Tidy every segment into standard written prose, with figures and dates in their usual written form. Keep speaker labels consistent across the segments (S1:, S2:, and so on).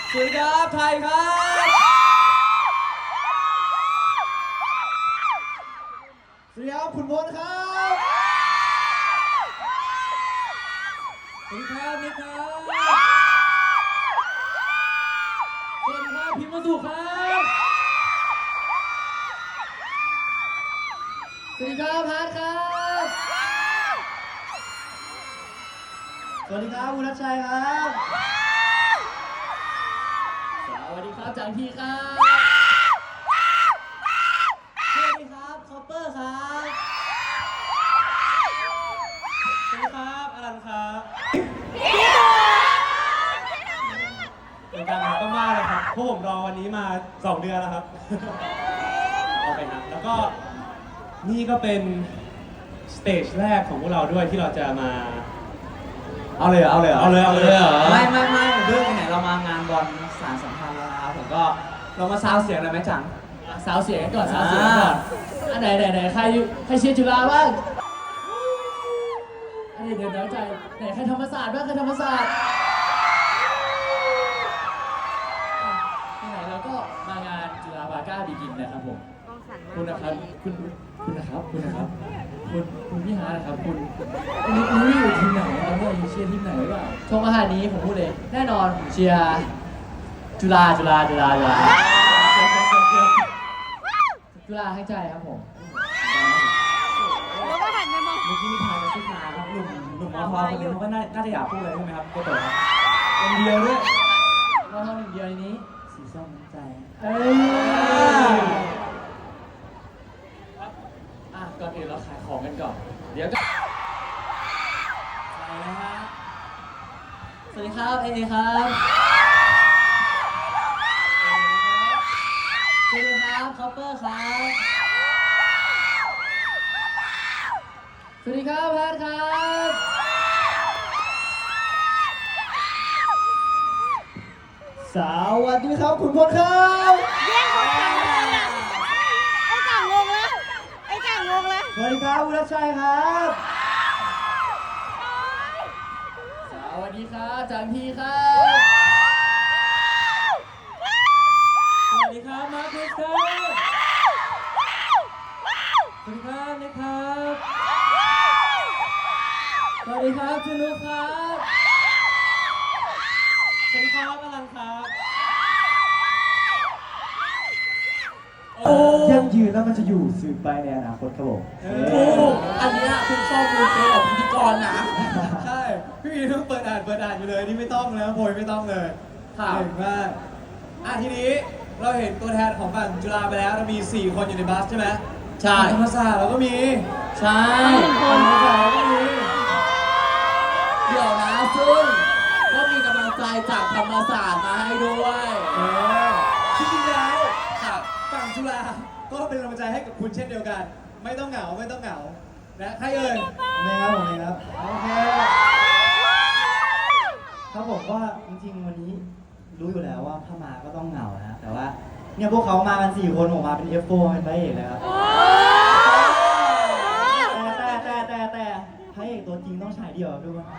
S1: สวัสดีครับไทยครับ
S2: สวัสดีครับคุณพลครับ
S1: สวัสดีครับนิกครับสวัสดีครับพิมพ์มาสุครับ
S2: สวัสดีครับพาร์ทครับสวัสดีครับคุณรัชชัยครับ
S1: สวัสดีครับจังทีครับ
S2: สวัสดีครับคอปเปอร์ครับ
S1: สวัสดีครับอลันครับเป็นการรักมากเลยครับพวกผมรอวันนี้มา2 เดือนแล้วครับเอาไปนะแล้วก็นี่ก็เป็นสเตจแรกของพวกเราด้วยที่เราจะมาเอาเลยเหรอ
S2: ไม่เรื่องไหนเรามางานบอลสารสัมพันธ์แล้วนะครับผมก็เรามาซาวเสียงเลยไหมจัง
S1: สาวเสียงก่อนสาวเสียงก่อนอันไหนใครเชียร์จุฬาบ้างอันนี้เดี๋ยวใจไหนใครธรรมศาสตร์บ้างใครธรรมศาสตร์ไหนเราก็มางานจุฬาบาก้าบิกินนะครับผมคุณนะครับคุณพี่ฮาร์ดนะครับคุณอยู่ทีมไหนครับเนี่ยเชียร์ทีมไหนหรือเปล่าช่วงอาหารนี้ผมพูดเลยแน่นอนเชียร์จุฬาให้ใจครับผม
S3: แล้วก็หันไปมอง
S2: เมื่อกี้มีทายกระซิบมาครับหนุ่มมอทอคนนึงเขาก็น่าจะอยากพูดเลยใช่ไหมครับโกโตะครับคนเดียวด้วย
S1: มอทอหนึ่งเดียวในนี้
S2: สีส้มน้ำใจ
S1: ก่อนอื่นเราขายของกันก่อนเดี๋ยวก็อะไรนะฮะสวัสดีครับเอครับสวัสดีครับคอปเปอร์ครับสวัสดีครับแพทครับ
S2: สวัสดีครับคุณพลครับ
S3: แย่งคนจังเลยอ่ะไอ้จังงงแล้ว
S2: สวัสดีครับคุณรัชชัยครับ
S1: สวัสดีครับจังทีครับสวัสดีครับมาร์คครับสวัสดีครับเน็กครับสวัสดีครับจูนุครับสวัสดีครับอลังครับ
S2: ยั่งยืนแล้วมันจะอยู่สืบไปในอนาคตครับผม
S1: อันนี้คุณชอบดูเกมของพิธีกรนะใช่พี่วีต้องเปิดอ่านอยู่เลยนี่ไม่ต้องแล้วโพยไม่ต้องเลยเก่งมากทีนี้เราเห็นตัวแทนของฝั่งจุฬาไปแล้วเรามี4 คนอยู่ในบัสใช่ไหมใช่ธรรมศาสตร์เราก็มีใช่ธรรมศาสตร์เราก็มีเดี๋ยวนะซึ่งก็มีกำลังใจจากธรรมศาสตร์มาให้ด้วยจริงๆแล้วฝั่งจุฬาก็เป็นกำลังใจให้กับคุณเช่นเดียวกันไม่ต้องเหงานะใครเอ่ย
S2: ผมเองครับโอเคครับผมว่าจริงๆวันนี้รู้อยู่แล้วว่าถ้ามาก็ต้องเหงานะแต่ว่าเนี่ยพวกเขามากัน4 คนผมมาเป็น F4 เป็นพระเอกเลยครับแต่พระเอกตัวจริงต้องฉายเดี่ยวครับทุกคน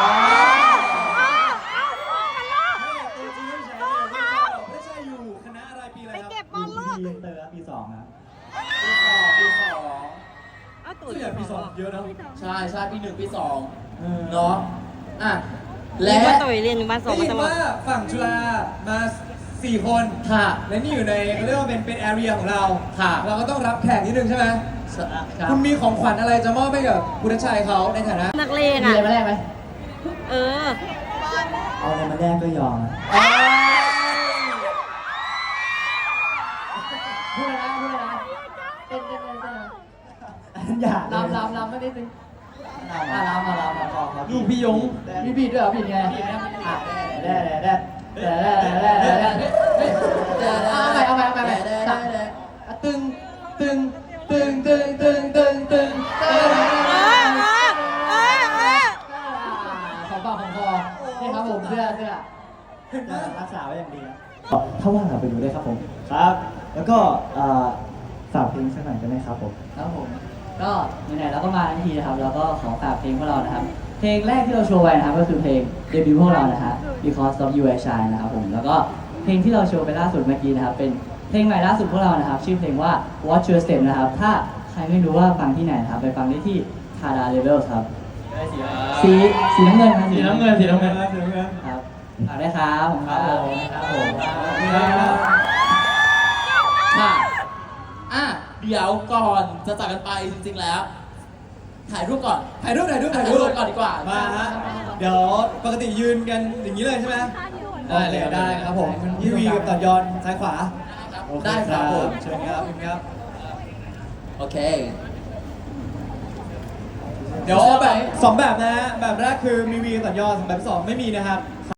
S1: ตัวจริงไม่ใช่ไม่ใช่อยู่คณะอะไรปีอะไร
S3: ไป
S1: ครับ
S3: เก็บบอลลูก
S2: ปีเตอร์ปี 2ครับ
S1: ปีสอง
S3: เอาตัว
S1: ส่วนใหญ่ปี 2เยอะนะใช่ปี 1 ปี 2เนาะ
S3: และตัวเรียน1 บ้าน 2
S1: ได้
S3: มา
S1: ยิ
S3: ต
S1: น
S3: ลอด
S1: ว่าฝั่งจุฬามา4 คนค่ะและนี่อยู่ในเรียกว่าเป็นแอเรียของเราค่ะเราก็ต้องรับแขกนิดนึงใช่ไหมคุณมีของขวัญอะไรจะมอบให้กับคุณชัยเขาในฐานะ
S3: นักเลง
S1: มี
S3: อ่ะ
S1: อะไรมาแลกไหม
S3: เออ
S2: เอาอะไรมาแลกก็ยอม
S1: พูดเลยนะเต้น
S2: อย่า
S1: ลำไม่ได้ตึงลำ
S2: ครับ
S1: ลูกพี่ยงมีบีดด้วยเหรอบีดไงเอาไปตึงของปากของคอนี่ครับผมเสื้อ
S2: รักษาไว้อย่างดีนะถ้าว่างเราไปดูได้ครับผมครับ แล้วก็ฝากเพลงสักหน่อยกันไหมครับผม
S4: ครับผมก็ไหนๆเราก็มาทันทีนะครับแล้วก็ขอฝากเพลงพวกเรานะครับเพลงแรกที่เราโชว์ไว้นะครับก็คือเพลงเดบิวต์พวกเรานะฮะ Because of You I Shine นะครับผมแล้วก็เพลงที่เราโชว์ไปล่าสุดเมื่อกี้นะครับเป็นเพลงใหม่ล่าสุดพวกเรานะครับชื่อเพลงว่า Watch Your Step นะครับถ้าใครไม่รู้ว่าฟังที่ไหนนะครับไปฟังได้ที่ Tada Levels ครับสีน้ำเงินครับ
S2: สีน้ำเงินสีน้ำเงิน
S4: ครับฝากได้ครับผมครับผม
S5: ค่ะเดี๋ยวก่อนจะจากกันไปจริงๆแล้ว ถ่ายรูปก่อน
S1: ถ่ายรูป
S5: ก่อนดีกว่า
S1: มาฮะ เดี๋ยวปกติยืนกันอย่างนี้เลยใช่ไหมได้เลยได้ครับผมพี่วีกับต่อยอนซ้ายขวา
S5: ได้ครับผม
S1: เชิญครับเชิญครับ
S5: โอเค
S1: เดี๋ยวเอาแบบสองแบบนะฮะ แบบแรกคือมีวีกับต่อยอนแบบที่สองไม่มีนะครับ